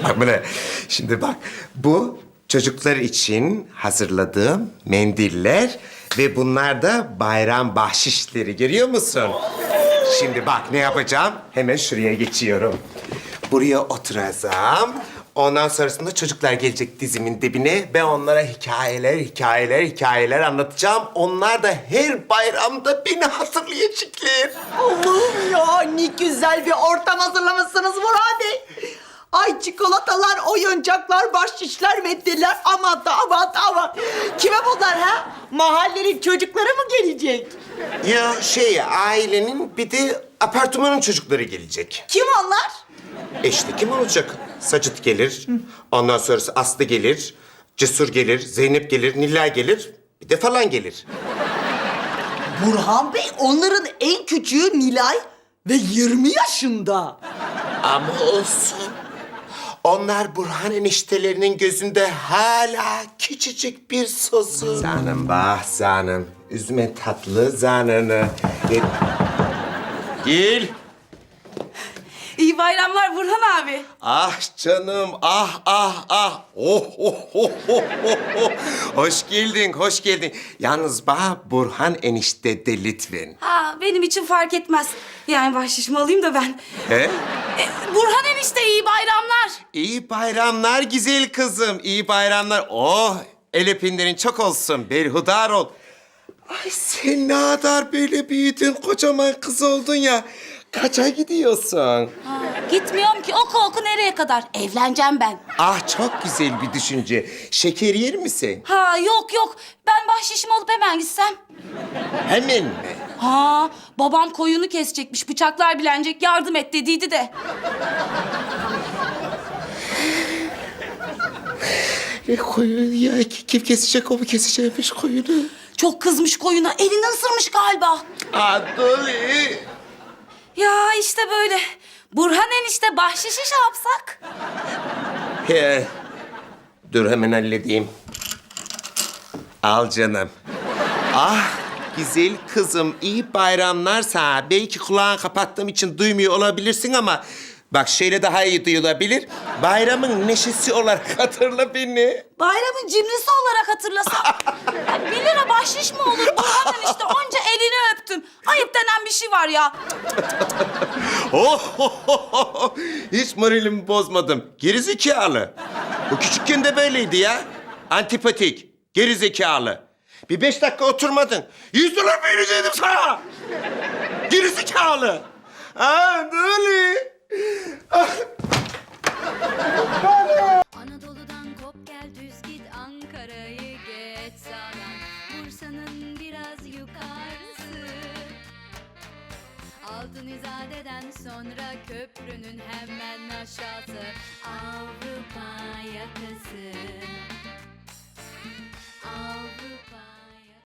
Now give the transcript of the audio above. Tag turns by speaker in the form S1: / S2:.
S1: Bak bu ne? Şimdi bak, bu çocuklar için hazırladığım mendiller ve bunlar da bayram bahşişleri, görüyor musun? Şimdi bak ne yapacağım? Hemen şuraya geçiyorum. Buraya oturacağım. Ondan sonrasında çocuklar gelecek dizimin dibine. Ben onlara hikayeler anlatacağım. Onlar da her bayramda beni hatırlayacaklar.
S2: Allah'ım ya, ne güzel bir ortam hazırlamışsınız Burhan Bey. Ay çikolatalar, oyuncaklar, bahşişler, mendiller. Aman da aman. Kime bunlar ha? Mahallenin çocukları mı gelecek?
S1: Ya ailenin bir de apartmanın çocukları gelecek.
S2: Kim onlar?
S1: İşte kim olacak? Sacit gelir, ondan sonrası Aslı gelir, Cesur gelir, Zeynep gelir, Nilay gelir, bir de falan gelir.
S2: Burhan Bey, onların en küçüğü Nilay ve 20 yaşında.
S1: Ama olsun. Onlar Burhan eniştelerinin gözünde hala küçücük bir sosu. Canım bah canım. Üzme tatlı canını. Gel.
S3: İyi bayramlar Burhan abi.
S1: Ah canım, ah. Oh. Hoş geldin. Yalnız bana Burhan enişte de lütfen.
S3: Ha, benim için fark etmez. Yani bahşişimi alayım da ben.
S1: He?
S3: Burhan enişte iyi bayramlar.
S1: İyi bayramlar güzel kızım, iyi bayramlar. Oh, el öpenlerin çok olsun, berhudar ol. Ay sen ne kadar böyle büyüdün, kocaman kız oldun ya. Kaça gidiyorsun?
S3: Ha, gitmiyorum ki oku nereye kadar? Evleneceğim ben.
S1: Ah çok güzel bir düşünce. Şeker yer misin?
S3: Ha yok. Ben bahşişimi alıp hemen gitsem.
S1: Hemen mi?
S3: Ha, babam koyunu kesecekmiş, bıçaklar bilenecek, yardım et dediydi de.
S1: Koyun ya, kim kesecek, o mu kesecekmiş koyunu?
S3: Çok kızmış koyuna, elini ısırmış galiba.
S1: Adoli.
S3: Ya işte böyle. Burhan enişte bahşişi şey yapsak?
S1: He. Dur hemen halledeyim. Al canım. Ah güzel kızım, iyi bayramlar sana. Belki kulağını kapattığım için duymuyor olabilirsin ama... Bak şöyle daha iyi duyulabilir. Bayramın neşesi olarak hatırla beni.
S3: Bayramın cimrisi olarak hatırlasam. Ya 1 lira bahşiş mi olur Burhan enişte? Onca elini öptüm. Ayıp denen bir şey var ya.
S1: Hiç moralimi bozmadım. Gerizekalı. Bu küçükken de böyleydi ya. Antipatik, gerizekalı. Bir 5 dakika oturmadın. $100 verecektim sana. Gerizekalı. Böyle.
S4: Anadolu'dan kop gel düz git Ankara'yı geç sağdan Bursa'nın biraz yukarısı Altın İzade'den sonra köprünün hemen aşağısı Avrupa